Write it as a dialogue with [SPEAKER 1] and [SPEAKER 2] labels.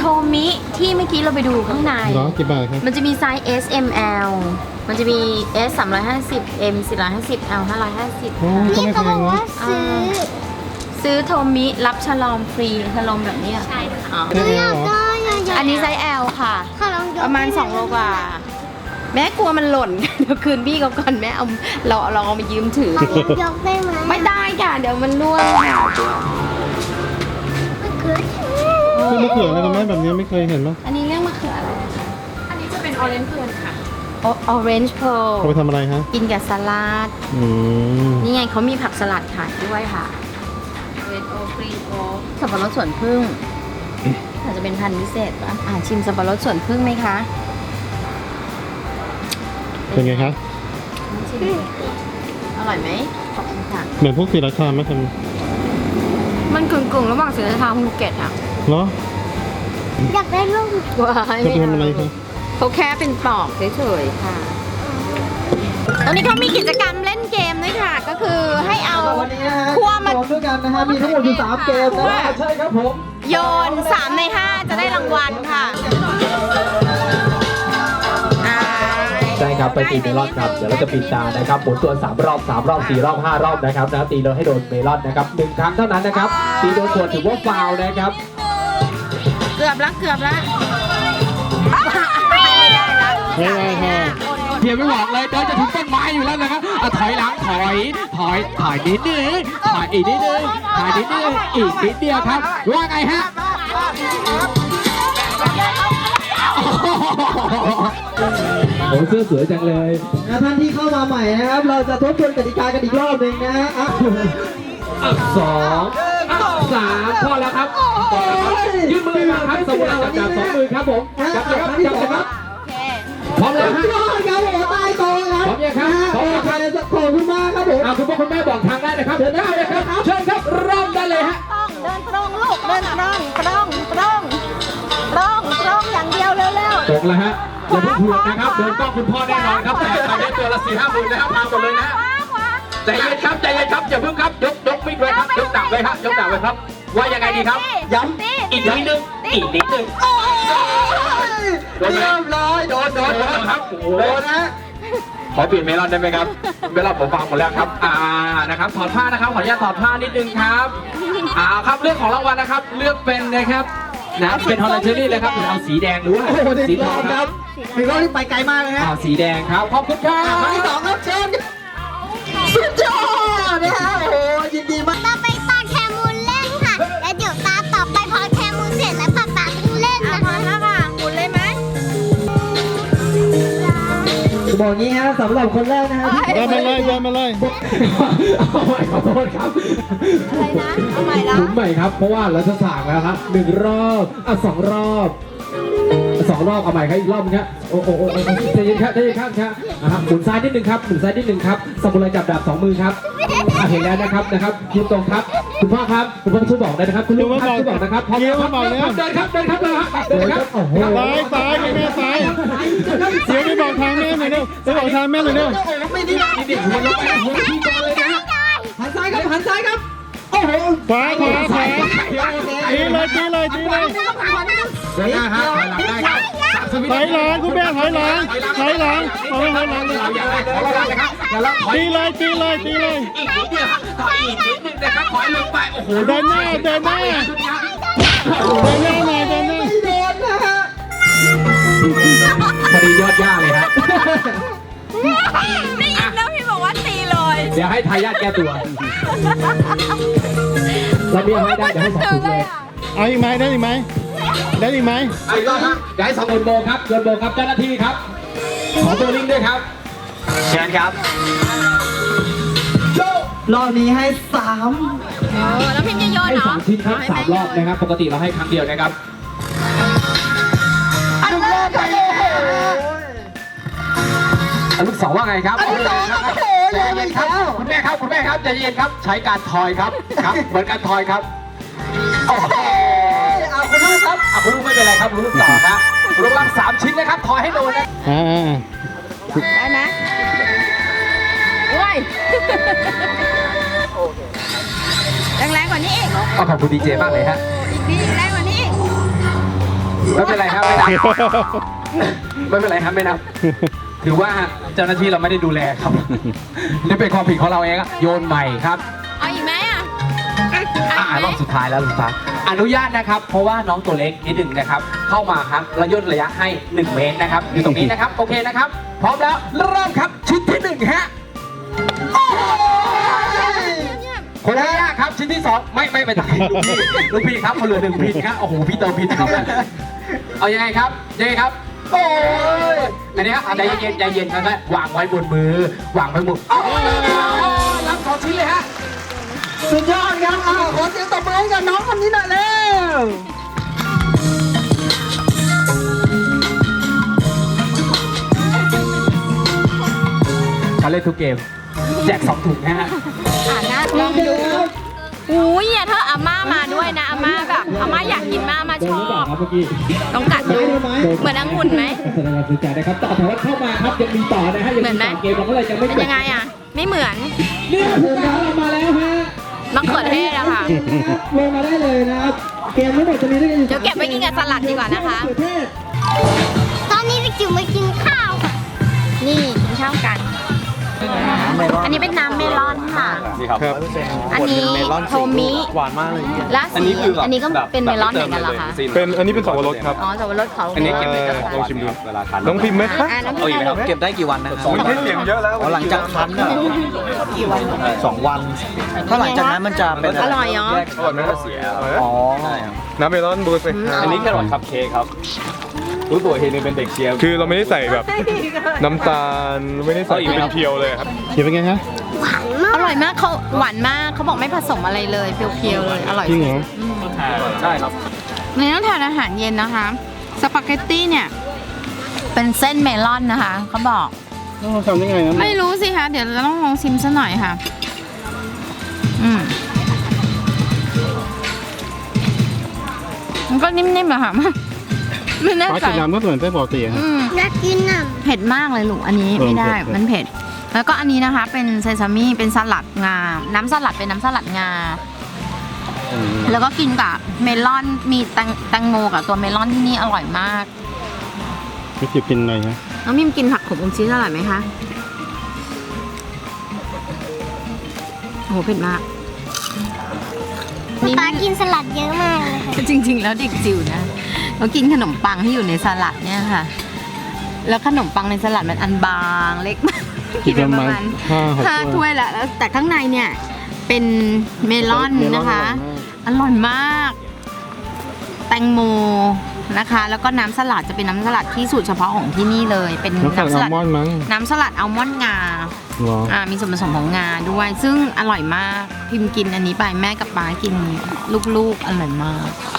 [SPEAKER 1] มิที่เมื่อกี้เราไปดูข้างใน
[SPEAKER 2] เนาะกี่บาทครับ
[SPEAKER 1] มันจะมีไซส์ S M L มันจะมี S 350 M 450 L 550
[SPEAKER 2] โอ้ก็
[SPEAKER 3] นี่
[SPEAKER 2] ไม่แพ
[SPEAKER 3] เขาบอก
[SPEAKER 2] ง
[SPEAKER 3] ว่า
[SPEAKER 2] นะ
[SPEAKER 3] ซื้อ
[SPEAKER 1] โทมิรับฉลอมฟรีฉลอมแบบนี้ใช่ค่ะ
[SPEAKER 2] แค่
[SPEAKER 3] อ
[SPEAKER 2] นี้
[SPEAKER 3] ยาก
[SPEAKER 2] เหรอ
[SPEAKER 3] ได้อยาก
[SPEAKER 1] อันนี้ไซส์ L ค่ะ
[SPEAKER 3] ค่ะลองยก
[SPEAKER 1] ประมาณ2 โลกว่า แม่กลัวมันหล่น เดี๋ยวคืนพี่เขาก่อนแม่เอาเราเอามายืมถือ
[SPEAKER 3] ยกได้ไหม
[SPEAKER 1] ไม่ได้ค่ะ เดี๋ยวมันร่วงค่ะ
[SPEAKER 3] มันคือ
[SPEAKER 2] คือมะเขืออะไรกันไหมแบบนี้ไม่เคยเห็นหรอ
[SPEAKER 1] อันนี้เรียกมะเขืออะไรอันนี้จะเป็นออเรนจ์เพลค่ะออเรนจ์เพล
[SPEAKER 2] เขาไปทำอะไรฮะ
[SPEAKER 1] กินกับสลัด
[SPEAKER 2] อืม
[SPEAKER 1] นี่ไงเขามีผักสลัดขายด้วยค่ะเรดโอกรีนโอสับปะรดสวนพึ่งอาจจะเป็นพันธุ์พิเศษป่ะชิมสับปะรดสวนพึ่งไหมคะ
[SPEAKER 2] เป็นไงคะ
[SPEAKER 1] ชิมอร่อยไหมขอบคุณค่ะ
[SPEAKER 2] เหมือนพวกศรีราชาไหมท
[SPEAKER 1] มันกึ่งระหว่างศรีราชากับภูเก็ตอ่ะ
[SPEAKER 2] ำเหรอ
[SPEAKER 3] อยากได้ลูก
[SPEAKER 1] ว้าย
[SPEAKER 2] จะไปทำอะไรคะ
[SPEAKER 1] เขาแค่เป็นปลอกเฉยๆค่ะ ตอนนี้เขามีกิจกรรมเล่นเกมด้วยค่ะ ก็คือให้เอา
[SPEAKER 4] วันนี้นะฮะ
[SPEAKER 1] คั่วมา
[SPEAKER 4] โยนด้วยกันนะฮะ มีทั้งหมดอยู่3เกมนะฮะใช่ครับผม
[SPEAKER 1] โยน3 ใน 5 จะได้รางวัลค่ะอ่า
[SPEAKER 4] ใช่ครับไปตีเมลอนครับเดี๋ยวเราจะปิดตานะครับหมุนตัว3 รอบ 3 รอบ 4 รอบ 5 รอบนะครับนะตีโดนให้โดนเมลอนนะครับ1 ครั้งเท่านั้นนะครับตีโดนส่วนถือว่าฟาวล์นะครับ
[SPEAKER 1] เกือบแล้วไม่ได้ละ
[SPEAKER 2] ไม่ได้ค่ะ
[SPEAKER 4] เพียงไม่บอกเลยเดินจะถึงต้นไม้อยู่แล้วนะครับถอยหลังถอยนิดนึงถอยอีกนิดนึงถอยนิดนึงอีกนิดเดียวครับว่าไงฮะโอ้เสื้อสวยจังเลยท่านที่เข้ามาใหม่นะครับ เราจะทบทวนกติกากันอีกรอบหนึ่งนะฮะ2 3พอแล้วครับยืดมือมาครับสมุนจับ2 มือครับผมจับเลยครับจับเลยครับ
[SPEAKER 1] โอเค
[SPEAKER 4] พร้อมแล้วฮะ
[SPEAKER 3] ยอดครับผมใต้โต๊ะครับ
[SPEAKER 4] พร้อมยังครับพร้อมยังครับ
[SPEAKER 3] ขอบคุณมากครับผม
[SPEAKER 4] คุณพ่อคุณแม่บอกทางได้นะครับเดินได้เลยครับเชิญครับเริ่มได้เลยฮะ
[SPEAKER 1] ต้องเดินตรงลูกเดินตรงอย่างเดียวเร็ว
[SPEAKER 4] ตรงแล้วฮะอย่าเพิ่งเผือกนะครับเดินต้องคุณพ่อแน่นอนครับแต่ตอนนี้ตัวละ4-5 หมื่นนะครับมาหมดเลยนะฮะใจเย็นครับอย่าเพิ่งครับยกมิดไว้ครับยกดักไว้ครับยกดักไว้ครับว่ายังไงดีครับย้ำอีกนิดนึงโดนเรียบร้อยโดนครับโดนนะขอเปลี่ยนเมลอนได้ไหมครับเมลอนผมฟังหมดแล้วครับนะครับถอดผ้านะครับขออนุญาตถอดผ้านิดนึงครับครับเรื่องของรางวัลนะครับเลือกเป็นนะครับนะเป็นฮอลแลนด์เชอรี่เลยครับเอาสีแดงหรือว่าสีทองครับ
[SPEAKER 3] ถึงรอบที่ไปไกลมากเลยฮะ
[SPEAKER 4] สีแดงครับขอบคุณครับ
[SPEAKER 3] ครั้งที่2ครับเชิญสุดยอดนะฮะโอ้โหยินดีมากต่อไปตาแคมูลเล่นค่ะ แล้วเดี๋ยวตาต่อไปพอแคมูลเสร็จแล้วป๊าป๊าต้องเล่นนะคะ
[SPEAKER 1] หมุนเลยไหม
[SPEAKER 4] บอกงี้ฮะสำหรับคนแรกนะฮะ
[SPEAKER 2] เดินมาเลย
[SPEAKER 4] เอาใหม่ขอโทษครับ
[SPEAKER 1] อะไรนะ เอาใหม่ละ
[SPEAKER 4] หมุนใหม่ครับเพราะว่าเราจะสั่งแล้วครับ1 รอบ2 รอบ2 รอบเอาใหม่ครับอีกรอบนึงครับโอ้ใจเย็นครับนะครับหมุนซ้ายนิดนึงครับสมุนไพรจับดาบ2 มือครับเห็นแล้วนะครับยืนตรงครับคุณพ่อครับคุณพ่อช่วยบอกได้นะครับคุณลูกครับช่วยบอกนะครับพร้อมครับเดินครับโอ้โห
[SPEAKER 2] ซ้ายแม่ซ้ายเดี๋ยวไปบอกทางแม่หน่อยเร็วไปบอกทางแม่หน่อยเร็ว
[SPEAKER 4] ไม่ได้นี่หัวลงไปหัวที่ก่อนเลยนะหันซ้ายครับโอ้โห
[SPEAKER 2] ขวาตีเลย
[SPEAKER 4] เดินหน้าฮะถอยหลังได้ครับ
[SPEAKER 2] ถอยหลังคุณแม่ถอยหลังเอาไว้ถอยหลังเลย
[SPEAKER 4] อย่าไล่ขอระวังนะครับอย่าไล่ถอย
[SPEAKER 2] ตีเลย
[SPEAKER 4] อีกนิดเดียวถอยอีกนิดนึงนะครับถอยลงไปโอ้โห
[SPEAKER 2] เดินหน้า
[SPEAKER 4] เดินหน้า
[SPEAKER 2] หน่อย
[SPEAKER 4] คดียอดย่าเลยฮะ
[SPEAKER 1] ได้ยินแล้วพี่บอกว่าตีเลย
[SPEAKER 4] เดี๋ยวให้ทายาทแก้ตัวเราเบี้ยให้ได้เดี๋ยวให้2 ถุงเลย
[SPEAKER 2] เอาอีกไหมได้อีกไหม
[SPEAKER 4] อีกรอบครับเดี๋ยวให้2 โยนโบครับเจ้าหน้าที่ครับขอโบลิ่งด้วยครับเชิญครับรอบนี้ให้3
[SPEAKER 1] แล้วพิมพ์จะโยน
[SPEAKER 4] ให้
[SPEAKER 1] เหรอ
[SPEAKER 4] 3 ชิ้นครับ3 รอบนะครับปกติเราให้ครั้งเดียวนะครับลูก2ว่าไงครับใจเย็นครับคุณแม่ครับใจเย็นครับใช้การทอยครับเหมือนการทอยครับโอ้โหคุณลูกครับคุณลูกไม่เป็นไรครับคุณลูกต่อครับคุณลูกรับ3 ชิ้นนะครับทอยให้โดนนะ
[SPEAKER 1] ได้ไหมโอ้ยแรงกว่านี้อีก
[SPEAKER 4] ขอบคุณดีเจมากเลยฮะ
[SPEAKER 1] อีกทีแรงกว่านี้อีก
[SPEAKER 4] ไม่เป็นไรครับไม่นับไม่เป็นไรครับไม่นับถือว่าเจ้าหน้าที่เราไม่ได้ดูแลครับนี่เป็นความผิดของเราเองอะโยนใหม่ครับ
[SPEAKER 1] เอาอีกไหมอ่ะ
[SPEAKER 4] รอบสุดท้ายแล้วสุดท้ายอนุญาตนะครับ เพราะว่าน้องตัวเล็กนิดหนึ่งนะครับ เข้ามาครับระย่นระยะให้ 1 เมตรนะครับอยู่ตรงนี้นะครับโอเคนะครับ พร้อมแล้วเริ่มครับชิ้นที่1ฮะโอ้ยคนแรกครับชิ้นที่2ไม่ไปตายลูกพี่ครับคนเหลือ1พินครับโอ้โหพี่เติมพินครับเอายังไงครับยังไงครับโอ้ยอันนี้ครับใจเย็นใจเย็นครับวางไว้บนมือวางไว้บนรับ2ชิ้นเลยฮะสุดยอดครับขอเสียงตบมือให้กับน้องคนนี้หน่อยเร็วเขาเล่นทุกเกมแจก2 ถุงนะฮะ
[SPEAKER 1] ลองดูอุ้ยอย่าถ้าอาม่ามาด้วยนะอาม่าแบบอาม่าอยากกินมากอาม่าชอบต้องกัดดูเหมือนองุ่นไหม
[SPEAKER 4] แสดงความสนใจนะครับต่อแถวเข้ามาครับยังมีต่อนะฮะยังมีต่อเกมเราก็เลยจะไม่
[SPEAKER 1] เป็นยังไงอ่ะไม่เหมือน
[SPEAKER 4] นี่ผมเรามาแล้วฮะ
[SPEAKER 1] มะเขือเทศอะค่ะ
[SPEAKER 4] ลงมาได้เลยนะครับเกมทั้งหมดจะมีด้วยกันอยู่
[SPEAKER 1] เดี๋ยวเก็บไว้กินกับสลัดดีกว่านะคะ
[SPEAKER 3] ตอนนี้เด็กจิ๋วมากินข้าวค่ะ
[SPEAKER 1] นี่กินข้าวกัน อันนี้เป็นน้ำเมลอนค่ะ
[SPEAKER 2] นี่ครับ
[SPEAKER 1] อันนี้โทมิ
[SPEAKER 2] หวานมากเลย
[SPEAKER 1] และสีอันนี้ก็เป็นเมลอนเหมือนกันเหรอคะ
[SPEAKER 2] เป็นอันนี้เป็นสับปะรดครับ
[SPEAKER 1] อ๋อสับปะรดเขา
[SPEAKER 2] อันนี้เก็บได้ลองชิมดูน้องพิมพ์ไหมคะ
[SPEAKER 1] น้ำ
[SPEAKER 5] เอาอีกไหมครับเก็บได้กี่วันนะครับ
[SPEAKER 2] ไม่เสียงเยอะแล้ว
[SPEAKER 5] หลังจากคั้นอะ2 วัน ถ้าหลังจากนั้นมันจะเป็น
[SPEAKER 1] อร่อยเนาะ
[SPEAKER 2] อร่อยไหมเสีย
[SPEAKER 5] อ๋อ
[SPEAKER 2] น้ำเมลอนบูสเลยครับ
[SPEAKER 5] อันนี้แครอทคัพเค้กครับ รู้ตัวเฮนเป็นเด็กเชียร์
[SPEAKER 2] คือเราไม่ได้ใส่แบบน้ำตาลไม่ได้ใส่เป็นเพียวเลยครับเขียวเป็นไงฮะ
[SPEAKER 1] อร่อยมากเขาหวานมากเขาบอกไม่ผสมอะไรเลยเพียวๆเลยอร่อย
[SPEAKER 2] จริงเหรอ
[SPEAKER 5] ใช่ครับ
[SPEAKER 1] ในต้องทานอาหารเย็นนะคะสปาเกตตี้เนี่ยเป็นเส้นเมลอนนะคะเขาบอก
[SPEAKER 2] ต้องทำยังไงนะ
[SPEAKER 1] ไม่รู้สิคะเดี๋ยวเราต้องลองชิมซะหน่อยค่ะมันก็นิ่มๆอะค่ะไม่แน่
[SPEAKER 2] ปลา
[SPEAKER 1] ใจ
[SPEAKER 2] จีนน้ำก็เหมือนไส้ปกติครับ
[SPEAKER 3] น่ากินอ่ะ
[SPEAKER 1] เผ็ดมากเลยลูกอันนี้ไม่ได้
[SPEAKER 2] เผ็ด
[SPEAKER 1] มันเผ็ด แล้วก็อันนี้นะคะเป็นเซซามิเป็นสลัดงา น้ำสลัดเป็นน้ำสลัดงา แล้วก็กินกับเมลอนมีแตงโมกับตัวเมลอนที่นี่อร่อยมาก
[SPEAKER 2] ไม่จิบกินอะไรฮะ
[SPEAKER 1] น้องมิมกินผักขมอมชีสอร่อยไหมคะโอ้โหเผ็ดมาก
[SPEAKER 3] ป๊ากินสลัดเยอะมากเลยค่ะ
[SPEAKER 1] จริงๆ แล้วเด็กจิ๋วนะเขากินขนมปังที่อยู่ในสลัดเนี่ยค่ะ แล้วขนมปังในสลัดมันอันบางเล็กมากกินไปประมาณ
[SPEAKER 2] 5-6
[SPEAKER 1] 5 ถ้วยละแล้วแต่ข้างในเนี่ยเป็นเมลอนนะคะ อร่อยมาก แตงโมนะคะ แล้วก็น้ำสลัดจะเป็นน้ำสลัดที่สูตรเฉพาะของที่นี่เลย เป็น
[SPEAKER 2] น้ำสลัดอัลมอนด์มั้ง
[SPEAKER 1] น้ำสลัดอัลมอนด์งา
[SPEAKER 2] เหรอ
[SPEAKER 1] มีส่วนผสมของงาด้วย ซึ่งอร่อยมาก พิมพ์กินอันนี้ไปแม่กับป๊ากินลูกๆ อร่อยมาก